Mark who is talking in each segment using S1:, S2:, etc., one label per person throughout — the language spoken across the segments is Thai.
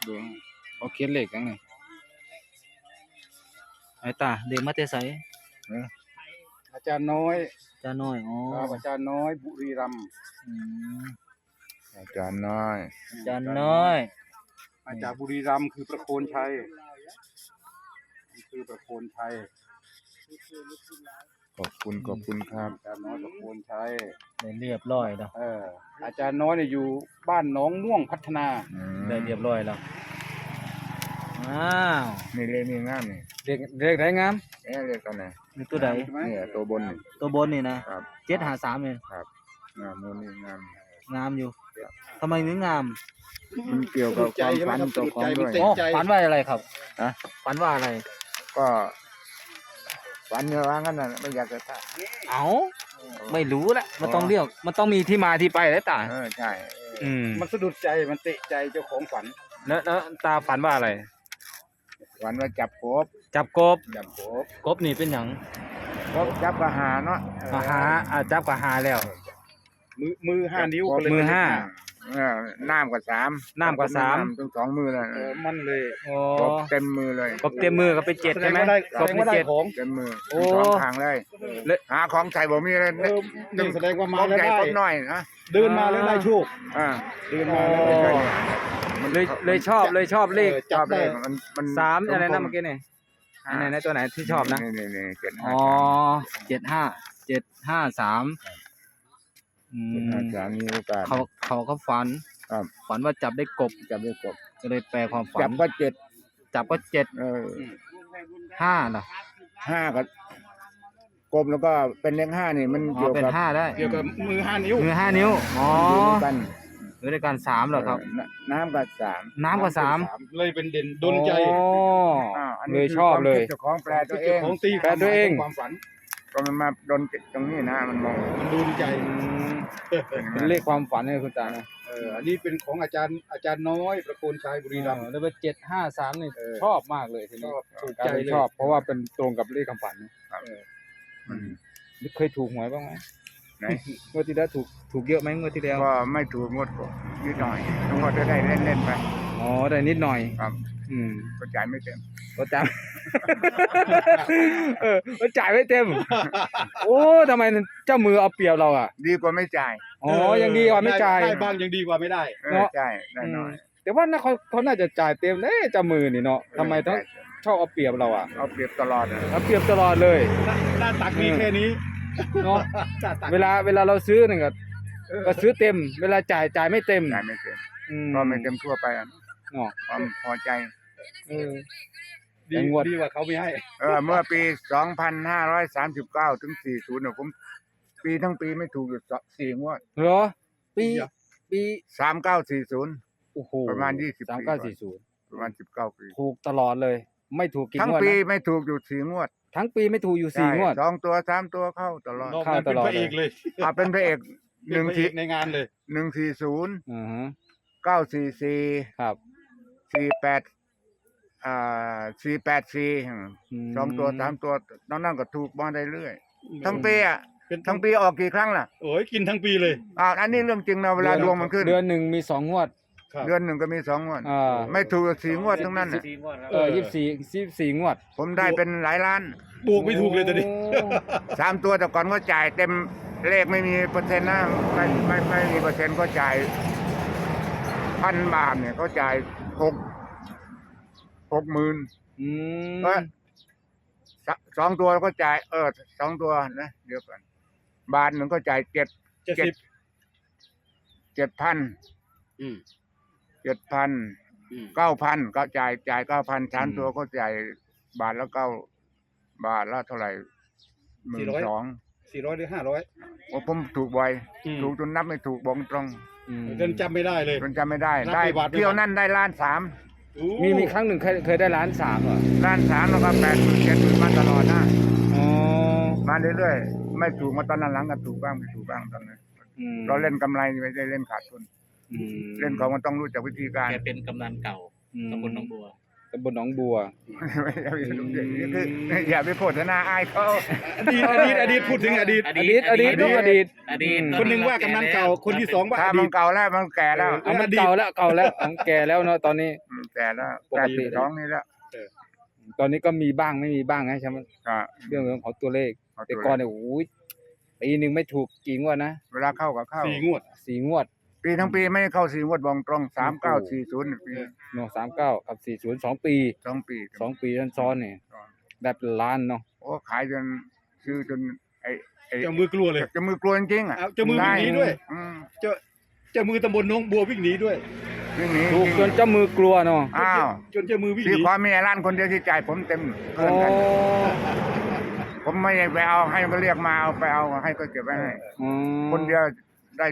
S1: ดูเขาเขียนเลขยังไงไอ้ตาเด็กมาแต่ไส
S2: อาจารย์น้อย
S1: จ้าน้อยอ๋อ
S2: ครับอาจารย์น้อยบุรีรัมย์
S1: อืม
S3: อาจารย์น้อย
S1: จ้าน้อย
S2: มาจากบุรีรัมย์คือประโคนชัยคือประโคนชัย
S3: ขอบคุณครับ
S2: อาจารย์น้อยประโคนชัย
S1: ได้เรียบร้อยแล้ว
S2: อาจารย์น้อยเนี่ยอยู่บ้านหนองม่วงพัฒนา
S1: ได้เรียบร้อยแล้วอ้าว
S3: นี่เลขนี่งามนี่
S1: เลขไหนงาม
S3: เลขตัวไหน
S1: นี่ตัวใด
S3: เนี่ยตัวบนนี่
S1: ตัวบนนี่นะครับ 753นี่
S3: ครับงามมูนี่งาม
S1: งามอยู่ทำไมถึงงาม
S3: มันเกี่ยวกับความฝันตัวของด้วย
S1: อ๋อฝันว่าอะไรครับ
S3: ฮะ
S1: ฝันว่าอะไร
S3: ก็ฝันเยอะว่างั้นน่ะไม่อยากจะท่า
S1: เอ้าไม่รู้ละมันต้องเรียกมันต้องมีที่มาที่ไปแล้วตา
S3: ใช่
S2: มันสะดุดใจมันเตะใจเจ้าของฝัน
S1: แล้วตาฝันว่าอะไร
S3: ฝันว่าจับกบ
S1: จับกบ
S3: จับกบ
S1: กบนี่เป็นหยัง
S3: กบจับกระหาเนาะ
S1: จับกับหาแล้ว
S2: มือ5 นิ้วก็เลย
S1: มือห้า
S3: น้ำกับสาม
S1: น้ำกับสาม
S3: ทั้ง2 มือเลย
S2: มันเลย
S1: โอ้
S3: กบเต็มมือเลย
S1: กบเต็มมือก็เป็น7ใช่ไหม
S2: แส
S1: ก
S2: ด
S1: บ
S2: ง
S1: เป็
S2: ว่าน ได้
S1: 7
S2: ของ
S3: เต็มมือ
S1: โอ้
S3: สองทางเลย
S1: เลย
S3: หาของใส่บ่มีเลย
S2: นี่แสดงว่ามา
S3: ของ
S2: แล้ว
S3: ใหญ่
S2: ได้
S3: กบน้อยนะ
S2: เดินมาแล้วได้โชค เดินมาแล้วได้โชค
S1: เลยชอบเลข
S2: จับได้
S3: มัน
S1: 3อะไรนะเมื่อกี้นี่อันไหนตัวไหนที่ชอบนะ
S3: นี่เจ็ด
S1: อ๋อ753อืม
S3: อาจารย์มีโอกาส
S1: เขาก็ฝัน
S3: ครับ
S1: ฝันว่าจับได้กบ
S3: จับได้กบ
S1: ก็เลยแปลความฝั
S3: จั
S1: น
S3: บก็เจ็ด
S1: จับก็7 5นะ
S3: ห้าก็กบแล้วก็เป็นเลขห้านี่มัน
S1: อ๋อ
S3: เกี่ยว
S1: เป็น
S3: กับ
S1: 5ได้
S2: เกี่ยวกับมือ5 นิ้ว
S1: มือ5 นิ้วอ๋อ
S3: อยู่ด้วยกัน
S1: อยู่ด้วยกัน3เหรอครับ
S3: น้ำกับสาม
S1: น้ำก็3
S2: เลยเป็นเด่นดนใจ
S1: อ๋อ
S3: อัน
S1: เล
S3: นี้
S1: ยชอบเลย
S3: เจ้าของแปลตัวเอ
S2: เจ้าง ของตี
S1: แปลตัวเอง
S2: ความฝัน
S3: ก็มันมาโดนตรงนี้นะมันมอง
S2: มันดูใจ
S1: เป็นเลขความฝันเลยคุณตานะ
S2: อันนี้เป็นของอาจารย์น้อยประโคนชัยบุรีรัมย์
S1: แล้วเป็น753นี่
S2: เออ
S1: ชอบมากเลยทีนี้
S2: ถูก
S1: กลา
S2: ใจ
S1: ยเป็น
S2: เลย
S1: ชอบเพราะว่าเป็นตรงกับเลขความฝันนะ
S3: มัน
S1: เคยถูกหวยบ้างไหม
S3: ไหน
S1: งวดที่แล้วถูกเยอะไหมงวดที่แล้ว
S3: ก็ไม่ถูกงวดก็นิดหน่อยงวดได้เล่นไป
S1: อ๋อได้นิดหน่อย
S3: ครับ
S1: อืม
S3: ก็จ่ายไม่เต็ม
S1: ก็จ่าย ก็จ่ายไม่เต็ม โอ้ทำไมเจ้ามือเอาเปรียบเราอ่ะ
S3: ดีกว่าไม่จ่าย
S1: อ๋อยังดีกว่าไม่จ่าย
S2: ได้บ้างยังดีกว่าไม่ได้
S1: เนาะ
S3: จ่ายได้น้อย
S1: แต่ว่าน่าเขาน่าจะจ่ายเต็มเเจ้ามือนี่เนาะทำไมต้องชอบเอาเปรียบเราอ่ะ
S3: เอาเปรียบตลอดนะ
S1: เอาเปรียบตลอดเลย
S2: หน้าตักมีแค่นี้
S1: เนาะ
S2: หน้าตัก
S1: เวลาเราซื้อหนึ่งก็ซื้อเต็ม เวลาจ่ายไม่เต็ม
S3: จ่ายไม่เต็ม
S1: อื
S3: ก็ไม่เต็มทั่วไปอะ
S1: เนาะ
S3: ความพอใจ
S1: เออ
S2: ดี
S1: แต่งวด
S2: ดีกว่าเขาไม่ให้
S3: เมื่อปี 2539 ถึง 40เนี่ยผมปีทั้งปีไม่ถูกอยู่4 งวด
S1: เหรอปี
S3: 3940
S1: โอ้โห
S3: ประมาณ20
S1: 3940
S3: ประมาณ19 ปี
S1: ถูกตลอดเลย ไม่ถูกกี่
S3: ทั้ง
S1: งวด
S3: ปี
S1: นะ
S3: ไม่ถูกอยู่4 งวด
S1: ทั้งปีไม่ถูกอยู่4 งวด
S3: ใช่2 ตัว 3 ตัวเข้าตลอด
S2: นอก
S1: เข้า
S2: นั้นเป็น
S1: ตลอด
S2: พระเอกเลย
S3: เป็นพระเอก
S2: เป็นพระเอกในงานเลย
S3: 140
S1: อือฮะ
S3: 944
S1: ครับ
S3: 48484
S1: ม
S3: 2 ตัว 3 ตัวนอกนั้นก็ถูกมาได้เรื่อยทั้งปีอ่ะ
S2: เป็น
S3: ทั้งปีออกกี่ครั้งล่ะ
S2: โอ้ยกินทั้งปีเลย
S3: อันนี้เรื่องจริงนะเวลาดวงมันขึ้น
S1: เดือนหนึ่งมี2 งวด
S2: ครับ
S3: เดือนหนึ่งก็มี2 งวด
S1: อ่า
S3: ไม่ถูก4 งวดทั้งนั้นน่ะ
S1: 24 งวด
S3: ผมได้เป็นหลายล้าน
S2: บวกไม่ถูกเลยตอนนี้
S3: สามตัวแต่ก่อนก็จ่ายเต็มเลขไม่มีเปอร์เซ็นต์นะไม่มีเปอร์เซ็นต์ก็จ่าย1,000 บาทเนี่ยเขาจ่าย60,000
S1: อืม
S3: ก็2 ตัวก็จ่าย2 ตัวนะเดี๋ยวก่อนบาทหนึ่งก็จ่าย
S2: 70
S3: 7,000
S2: อืม
S3: 7,000 9,000ก็จ่าย9,000 3 ตัวก็จ่ายบาทละ9 บาทละเท่าไหร่12,000
S2: 400หรือ500
S3: โอ้ผมถูกบ่อย
S2: อืม
S3: ถูกจนนับไม่ถูกบอกตรง
S1: อืม
S2: จนจำไม่ได้เลย
S3: จนจำไม่ได้
S2: นับ
S3: ได้
S2: ไปบาทไป
S3: เที่ยว
S2: บาท
S3: นั่นได้1,300,000
S2: โอ้
S1: มีครั้งหนึ่งเคยได้1.3 ล้านเหรอ
S3: 1,300,000แล้วก็80,000 70,000มาตลอดนะ
S1: อ๋อ
S3: มาเรื่อยๆไม่ถูกมาตอนนั้นหลังก็ถูกบ้างไม่ถูกบ้างตอนนั้น
S1: อืม
S3: เราเล่นกำไรไม่ได้เล่นขาดทุน
S1: อืม
S3: เล่นของมันต้องรู้จักวิธีการ
S4: แกเป็นกำนันเก่า
S1: อืม
S4: ตำบลหนองบัว
S1: ตำบลหนองบัว
S3: คืออย่าไปโฆษณาอายเขา
S2: อดีตพูดถึงอดีต
S1: อดีตต้องอดีต
S4: อดีต
S2: คนหนึ่งว่ากำนันเก่าคนที่สองว่า
S3: ถ้า
S2: อ
S3: มั
S2: ดี
S3: น
S2: ต
S3: เก่าแล้วมันแก่แล้ว
S1: เอามันเก่าแล้วของแก่แล้วเนาะตอนนี้
S3: แก่แล้ว
S1: ปกติ
S3: 82นี่แล้ว
S1: ตอนนี้ก็มีบ้างไม่มีบ้างนะใช่ไหม
S3: ก็
S1: เรื่องของตัวเลข
S3: เอา
S1: แต่
S3: ตัว
S1: ก่อนเนี่ยโอ้ยปีหนึ่งไม่ถูกกี่งวดนะ
S3: เวลาเข้าก็เข้า
S2: 4 งวด
S1: 4 งวด
S3: ปีทั้งปีไม่เข้า4งวดบองตรง3940ปี
S1: เนาะ39กับ40 2 ปี
S3: 2 ปี
S1: 2 ปีซ้อนๆเนี่ยได้เป็นล้านเนาะ
S3: โอ้ขายจนซื้อจนไอ้
S2: เจ้ามือกลัวเลย
S3: จะมือกลัวจริงๆอ่ะ
S2: เอาเจ้ามือวิ่งหนีด้วย
S3: อืม
S2: เจ้ามือตำบลหน้องบัววิ่งหนีด้วย
S3: วิ่งหนี
S1: ถูกจนเจ้ามือกลัวเนาะ
S3: อ้าว
S2: จนเจ้ามือวิ่งห
S3: ที่
S2: นี
S3: ความมีร้านคนเดียวที่จ่ายผมเต็ม
S1: โอ้
S3: เพื่อนกันผมไม่ไปเอาให้ก็เรียกมาเอาไปเอาให้ก็เก็บไว้ให้
S1: อืม
S3: คนเดียวได้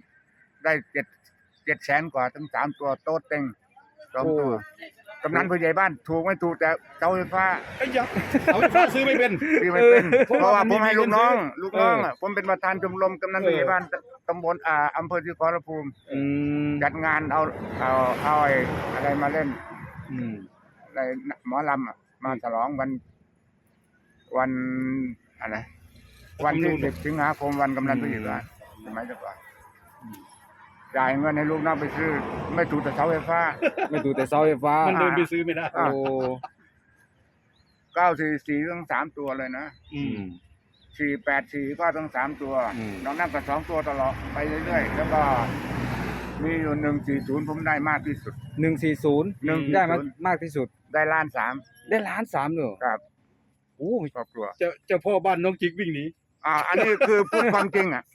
S3: 7แสนกว่าทั้ง3ตัวโต๊ะเต็ง2ตัวกำนันผู้ใหญ่บ้านถูกไม่ถูกแต่เสาไฟฟ้า
S2: ไอ้ยักษ์เอาไฟฟ้าซื้อไม่เป็น
S3: ที่ไม่เป็น
S2: เพราะ
S3: เพราะว่า
S2: ว่า
S3: ผมให้ลูกน้อง
S2: มันมี
S3: ลูกน้องอ่ะผมเป็นประธานชมรมกำนันผู้ใหญ่บ้านตำบลอำเภอที่ขอรภูมิ
S1: อืม
S3: จัดงานเอาไอ้อะไรมาเล่น
S1: อืม
S3: อะไรหมอลำอะมาฉลองวันอะไรวันที่10 สิงหาคมวันกำนันผู้ใหญ่บ้านสมัยก่อนจ่ายเงินให้ลูกน้องไปซื้อไม่ถูกแต่เสาไฟฟ้า
S1: ไม่ถูกแต่เสาไฟฟ้า
S2: มันเดินไปซื้อไม่ได้
S1: โอ้
S3: 944ทั้ง3ตัวเลยนะ
S2: อื
S1: อื
S2: ม
S1: ม
S3: 484ก็ทั้ง3ตัว
S1: อืม
S3: น้องนั่งก็2ตัวตลอดไปเรื่อยๆแล้วก็มีอยู่140ผมได้มากที่สุด
S1: 140ได้มากที่สุด
S3: ได้1,300,000
S1: ได้ล้าน3เลยเหรอ
S3: ครับ
S1: โอ้
S3: ครอบครัว
S2: เจ้าพ่อบ้านน้องจิกวิ่งหนี
S3: อันนี้คือพูดความจริงอ่ะ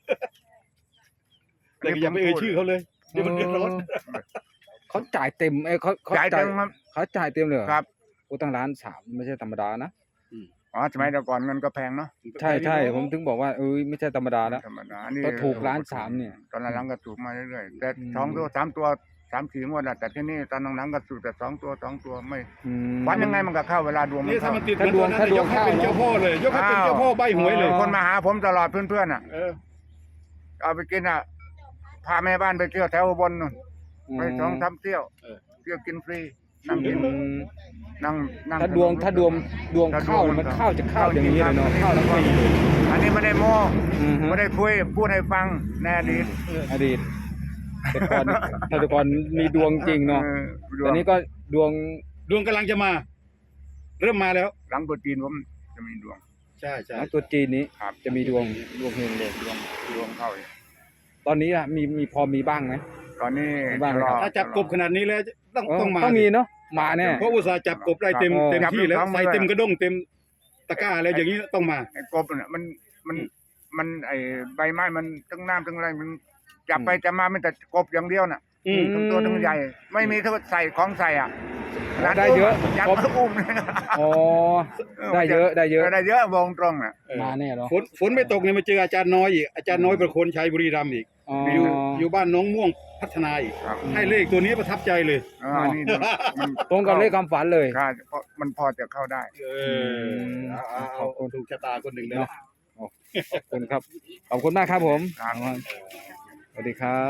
S2: แต่ก็อย่าไปเอ่ยชื่อเขาเลยเดี๋ยวมันเดือดร้อน
S1: เขาจ่ายเต็มเขา
S3: จ่ายเต็มครับ
S1: เขาจ่ายเต็มเลยเหรอ
S3: ครับ
S1: โอ้ตั้งล้าน3ไม่ใช่ธรรมดานะ
S3: สมัยแต่ก่อนเงินก็แพงเนาะ
S1: ใช่ผมถึงบอกว่าไม่ใช่ธรรมดาแล้ว
S3: ธรรมดาอันนี้
S1: ก็ถูก1,300,000เนี่ย
S3: ตอนหลังๆก็ถูกมาเรื่อยๆแต่
S1: อืม
S3: 2 ตัว 3 ตัว 3-4 งวดอะแต่ที่นี่ตอนหลังๆก็ถูกแต่2 ตัวไม่
S1: อืม
S3: วันยังไงมันก็เข้าเวลาดวงมัน
S2: นี่ถ้า
S3: เข้า
S2: มันติดเหมือนตัวนั้น
S1: ถ้าด
S2: ยว
S1: ง
S2: กให้เป็น
S1: เข้า
S2: เจ้าพ่อเลย ยกให้เป็นเจ้าพ่อใบหวยเลย
S3: คนมาหาผมตลอดเพื่อนๆอ่ะ
S2: เออ
S3: เอาไปกินอ่ะพาแม่บ้านไปเที่ยวแถวอุบลนู่นไป2-3 เที่ยว
S2: เออ
S3: เที่ยวกินฟรีนั่งกิน
S1: อืม
S3: นั่ง
S1: ถ้าดวงเข้ามันเข้าจะเข้าอย่างนี้เลยเนาะเข้าทั้งปีเลย
S3: อันนี้ไม่ได้โม้
S1: อือฮึ
S3: ไม่ได้คุยพูดให้ฟังแน่ดีต
S1: อดีตแต่ก่อนมีดวงจริงเนาะ
S3: ดว
S1: ตอง นนี้ก็ดวง
S2: ดวงกำลังจะมา เริ่มมาแล้ว
S3: หลังตัวจีนผมจะมีดวง
S2: ใช่ใช่
S1: ของตัวจีนนี้
S3: ครับ
S1: จะมีดวงเฮงเลย
S3: ดวงเข้าอยู่
S1: ตอนนี้อะมีพอมีบ้างไหม
S3: ตอนนี้
S1: บ้างไหมครับ
S2: ถ้าจับกบขนาดนี้แล้วต้องมา
S1: ต้องมีเนาะมาแน่
S2: เพราะอุตสาห์จับกบได้เต็ม
S1: ครับ
S2: เต็มที่แล้ว
S3: จับลูกน้อง
S2: ใส่เต็มกระด้งเต็มตะกร้าอะไรอย่างนี้ต้องมา
S3: ไอ้กบเนี่ยมันไอ้ใบไม้มันทั้งน้ำทั้งอะไรมันจับไปจับมาไม่แต่กบอย่างเดียวน่ะ
S2: อืม
S3: ทั้งตัวทั้งใหญ่ ไม่มีเท่าใส่ของใส่อ่ะ
S1: ได้เยอะ
S3: ยัด
S1: ครบ
S3: อุ้มเลย
S1: อ๋อได้เยอะ
S3: ได้เยอะวงตรงอ่ะ
S1: มาแน่เนาะ
S2: ฝนไม่ตกเนี่ยมาเจออาจารย์น้อยอีกอาจารย์น้อยประโคนชัยบุรีรัมย์อีก
S1: อ๋อ
S2: อยู่บ้านน้องม่วงพัฒนาอีก
S3: ครับ
S2: ให้เลขตัวนี้ประทับใจเลย
S3: อันนี้มัน
S1: ตรงกับเลขความฝันเลย
S3: ใช่เพราะมันพอจะเข้าได้
S2: เออเอาถูกชะตาคนหนึ่งเลย
S1: เนาะ
S2: นะ
S1: ขอบคุณครับ ขอบคุณมากครับผม
S3: ครับ
S1: สวัสดีครับ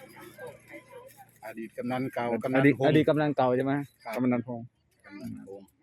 S2: อดีตกำนันเก่ากำ
S1: อ
S2: นัน
S1: ดีต
S2: พง
S1: อ
S2: ษ์
S1: ดีตกำลังเก่าใช่ไหม
S2: ครับ
S1: กำนันพงษ์
S2: กำนันพงษ์